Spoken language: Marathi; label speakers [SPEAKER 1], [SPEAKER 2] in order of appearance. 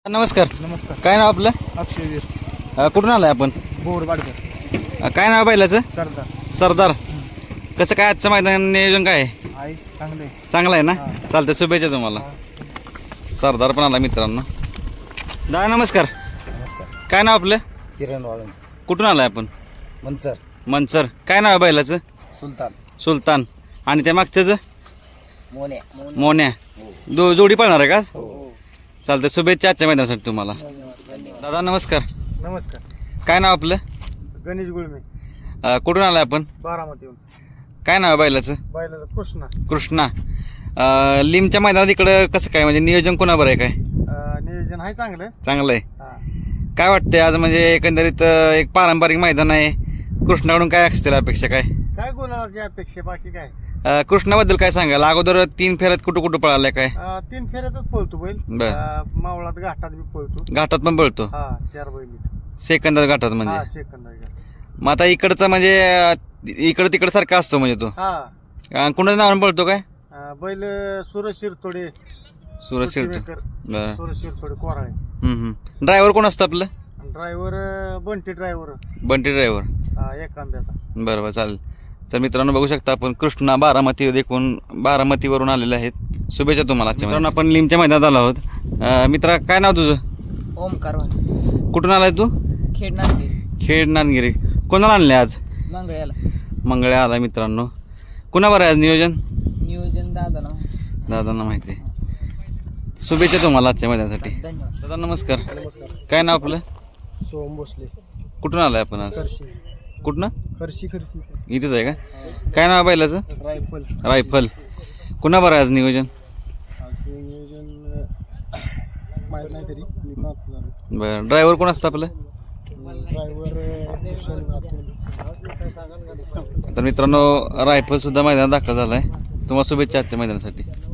[SPEAKER 1] नमस्कार.
[SPEAKER 2] नमस्कार.
[SPEAKER 1] काय नाव आपलं?
[SPEAKER 2] अक्षयवीर
[SPEAKER 1] कुठून आलाय आपण?
[SPEAKER 2] बोरवाडकर.
[SPEAKER 1] काय नाव बैलाचं?
[SPEAKER 2] सरदार.
[SPEAKER 1] सरदार. कसं काय आजचं मैदान नियोजन काय आहे?
[SPEAKER 2] आई चांगले.
[SPEAKER 1] चांगलं आहे ना?
[SPEAKER 2] हा.
[SPEAKER 1] चालतंय, शुभेच्छा तुम्हाला. सरदार पण आला मित्रांनो. दादा नमस्कार.
[SPEAKER 2] नमस्कार.
[SPEAKER 1] काय नाव आपलं?
[SPEAKER 2] किरण वाळून.
[SPEAKER 1] कुठून आलाय आपण?
[SPEAKER 2] मनसर.
[SPEAKER 1] मनसर. काय नाव आहे बैलाचं?
[SPEAKER 2] सुलतान.
[SPEAKER 1] सुलतान. आणि त्या मागच्याच?
[SPEAKER 2] मोने.
[SPEAKER 1] मोन्या. जोडी पळणार आहे का?
[SPEAKER 2] हो.
[SPEAKER 1] चालतंय, शुभेच्छा आजच्या मैदानासाठी तुम्हाला. दादा नमस्कार.
[SPEAKER 2] नमस्कार.
[SPEAKER 1] काय नाव आपलं?
[SPEAKER 2] गणेश गुळमे.
[SPEAKER 1] कुठून आलाय आपण?
[SPEAKER 2] बारामतीहून.
[SPEAKER 1] काय नाव आहे बैलाचं?
[SPEAKER 2] बैलाचा कृष्णा.
[SPEAKER 1] कृष्णा. लिमच्या मैदानात इकडं कसं काय, म्हणजे नियोजन कोणाबर आहे काय?
[SPEAKER 2] नियोजन आहे चांगलं.
[SPEAKER 1] चांगलं आहे.
[SPEAKER 2] हा.
[SPEAKER 1] काय वाटतंय आज, म्हणजे एकंदरीत एक पारंपरिक मैदान आहे, कृष्णाकडून काय असतील अपेक्षा काय?
[SPEAKER 2] काय गोलाची अपेक्षा, बाकी काय?
[SPEAKER 1] कृष्णाबद्दल काय सांगाल? अगोदर 3 फेऱ्यात कुठं कुठं पळालाय काय?
[SPEAKER 2] 3 फेऱ्यातच पळतो बैल.
[SPEAKER 1] बर.
[SPEAKER 2] मावळात घाटात बी पळतो.
[SPEAKER 1] घाटात पण पळतो?
[SPEAKER 2] हा 4 बैल.
[SPEAKER 1] सेकंदात घाटात
[SPEAKER 2] हा
[SPEAKER 1] म्हणजे?
[SPEAKER 2] सेकंद.
[SPEAKER 1] मग आता इकडचं म्हणजे इकडं तिकडं सारखा असतो म्हणजे तो?
[SPEAKER 2] हा.
[SPEAKER 1] कुणाच्या नावाने पळतो काय?
[SPEAKER 2] बैल सूरज शिरतोडे.
[SPEAKER 1] सुरज शिरतो. बरं.
[SPEAKER 2] सूरज शिरतोडे कोराळे.
[SPEAKER 1] ड्रायव्हर कोण असतं आपलं?
[SPEAKER 2] Driver Bunty driver.
[SPEAKER 1] Bunty driver.
[SPEAKER 2] एक आंब्याचा.
[SPEAKER 1] बरोबर, चालेल. तर मित्रांनो बघू शकता आपण कृष्णा बारामती देखून बारामतीवरून आलेले आहेत. शुभेच्छा तुम्हाला. मित्रांनो आपण लिमच्या मैदानात आलो आहोत. मित्रा काय नाव तुझं?
[SPEAKER 3] ओमकार.
[SPEAKER 1] कुठून आलाय तू? खेड नांदगिरी. कोणाला आणले आज?
[SPEAKER 3] मंगळ्याला.
[SPEAKER 1] मंगळ्या आला मित्रांनो. कुणावर आहे आज नियोजन? दादांना माहिती आहे. शुभेच्छा तुम्हाला आजच्या मैदानासाठी.
[SPEAKER 3] धन्यवाद.
[SPEAKER 1] दादा नमस्कार.
[SPEAKER 2] नमस्कार.
[SPEAKER 1] काय नाव आपलं?
[SPEAKER 2] सोहम भोसले.
[SPEAKER 1] कुठून आलाय आपण आज?
[SPEAKER 2] खर्शी.
[SPEAKER 1] कुठनं?
[SPEAKER 2] खर्शी.
[SPEAKER 1] इथेच आहे का? काय नाव आहे बैलाचं?
[SPEAKER 2] रायफल.
[SPEAKER 1] रायफल. कुणावर आहे आज नियोजन?
[SPEAKER 2] आज नियोजन माहीत नाही तरी मी पाहतो झालं.
[SPEAKER 1] बरं. ड्रायव्हर कोण असतं आपलं?
[SPEAKER 2] ड्रायव्हर भूषण अतुल.
[SPEAKER 1] तर मित्रांनो रायफल सुद्धा मैदानात दाखल झालाय. तुम्हाला शुभेच्छा आजच्या मैदानासाठी.